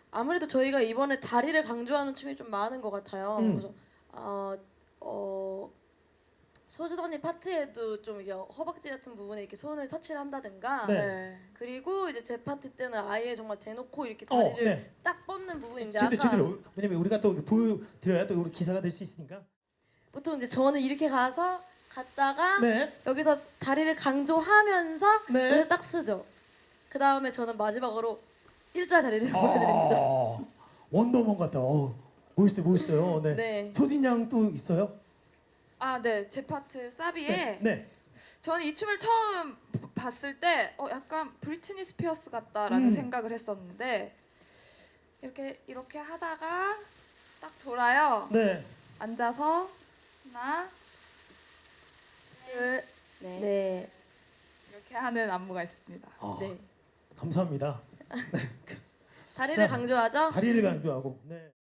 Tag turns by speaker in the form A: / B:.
A: 아무래도 저희가 이번에 다리를 강조하는 춤이 좀 많은 것 같아요. 그래서 소진 언니 파트에도 좀 이제 허벅지 같은 부분에 이렇게 손을 터치를 한다든가.
B: 네.
A: 그리고 이제 제 파트 때는 아예 정말 대놓고 이렇게 다리를
B: 네.
A: 딱 뻗는 부분인데
B: 제대로 왜냐면 우리가 또 보여드려야 또 우리 기사가 될 수 있으니까.
A: 보통 이제 저는 이렇게 갔다가
B: 네.
A: 여기서 다리를 강조하면서
B: 네.
A: 여기서 딱 쓰죠. 그 다음에 저는 마지막으로 일자 다리를 보여드립니다.
B: 원더우먼 같다. 멋있어요. 네.
A: 네.
B: 소진 양 또 있어요?
C: 아, 네. 제 파트 사비에
B: 네. 네.
C: 저는 이 춤을 처음 봤을 때 약간 브리트니 스피어스 같다라는 생각을 했었는데 이렇게 하다가 딱 돌아요.
B: 네.
C: 앉아서 하나, 둘,
A: 네.
C: 이렇게 하는 안무가 있습니다.
A: 네.
B: 감사합니다.
A: 다리를
B: 자,
A: 강조하죠.
B: 다리를 강조하고. 네.